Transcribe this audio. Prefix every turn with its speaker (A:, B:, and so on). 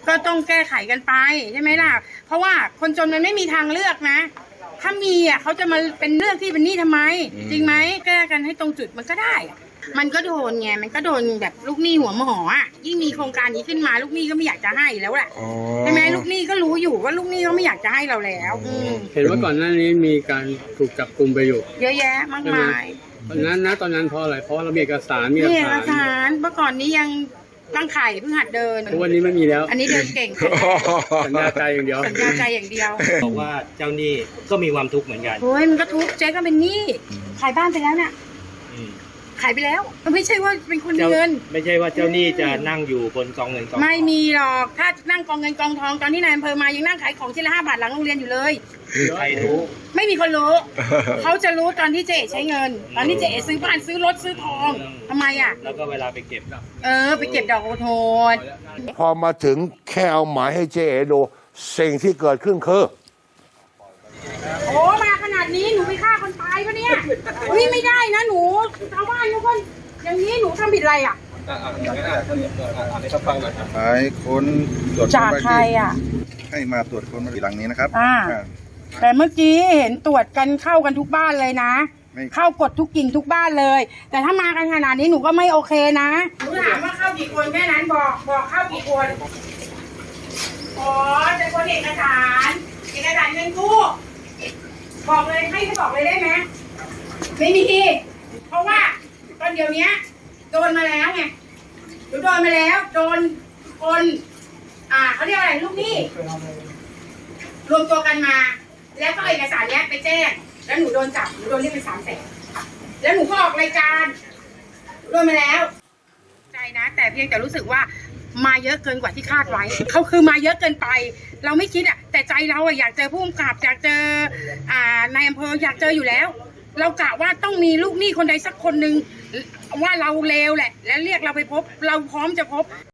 A: ก็ต้องแก้ไขกันไปใช่ไหมล่ะเพราะว่าคนจนมันไม่มีทางเลือกนะถ้ามีอ่ะเขาจะมาเป็นเลือกที่เป็นหนี้ทำไมจริงไหมแก้กันให้ตรงจุดมันก็ได้มันก็โดนไงมันก็โดนแบบลูกหนี้หัวหมออ่ะยิ่งมีโครงการนี้ขึ้นมาลูกหนี้ก็ไม่อยากจะให้แล้วแหละใช่ไหมลูกหนี้ก็รู้อยู่ว่าลูกหนี้เขาไม่อยากจะให้เราแล้ว
B: เห็นว่าก่อนหน้านี้มีการถูกจับกุมไปอยู่
A: เยอะแยะมากมาย
B: ตอนนั้นเพราะอะไรเพราะเรามีเอกสาร
A: มีเอกสารเมื่อก่อนนี้ยังตั้งไข่เพิ่งหัดเดิน
B: วันนี้ไม่มีแล้ว
A: อันนี้เดินเก่ง
B: สัญญาใจอย่างเดียว
A: สัญญาใจอย่างเดียว
C: บอกว่าเจ้าหนี้ก็มีความทุกข์เหมือนกัน
A: โอ้ยมันก็ทุกข์เจ๊ก็เป็นหนี้ขายบ้านไปแล้วเนี่ยขายไปแล้วมันไม่ใช่ว่าเป็นคนมีเงิน
C: ไม่ใช่ว่าเจ้าหนี้จะนั่งอยู่บนกองเงินกองทอง
A: ไม่มีหรอกถ้านั่งกองเงินกองทองตอนที่นายอำเภอมายังนั่งขายของชิ้นละ5 บาทหลังโรงเรียนอยู่เลย
C: ใครรู้
A: ไม่มีคนรู้เขาจะรู้ตอนที่เจ๊ใช้เงินตอนที่เจ๊ซื้อบ้านซื้อรถซื้อทองทำไมอ่ะ
C: แล้วก็เวลาไปเก็บ
A: ไปเก็บดอกโทษ
D: พอมาถึงแค่เอาหมายให้เจ๊ดูสิ่งที่เกิดขึ้นคือ
A: โอ้มาขนาดนี้หนูไปฆ่าคนตายปะเนี่ยนี่ไม่ได้นะหนูชาวบ้านทุกคนอย่างนี้หนูทำผิดอะไรอ่ะ
E: หมายค้นตรวจ
A: จากใครอ่ะ
E: ให้มาตรวจค้นบ้านหลังนี้นะครับ
A: แต่เมื่อกี้เห็นตรวจกันเข้ากันทุกบ้านเลยนะเข้ากดทุกกิ่งทุกบ้านเลยแต่ถ้ามากันขนาดนี้หนูก็ไม่โอเคนะหนูถามว่าเข้ากี่คนแค่นั้นบอกเข้ากี่คนอ๋อจะคนเอกสารเงินกู้บอกเลยให้บอกเลยได้ไหมไม่มีเพราะว่าตอนเดี๋ยวนี้โดนมาแล้วไงหนูโดนมาแล้วโดนคนเขาเรียกอะไรลูกหนี้รวมตัวกันมาแล้วก็เอกสารเนี้ยไปแจ้งแล้วหนูโดนจับหนูโดนเรียกไป300,000แล้วหนูก็ออกรายการโดนมาแล้วใจนะแต่เพียงแต่รู้สึกว่ามาเยอะเกินกว่าที่คาดไว้เขาคือมาเยอะเกินไปเราไม่คิดแต่ใจเราอยากเจอผู้กำกับอยากเจอนายอำเภออยากเจออยู่แล้วเรากะว่าต้องมีลูกหนี้คนใดสักคนหนึ่งว่าเราเลวแหละและเรียกเราไปพบเราพร้อมจะพบ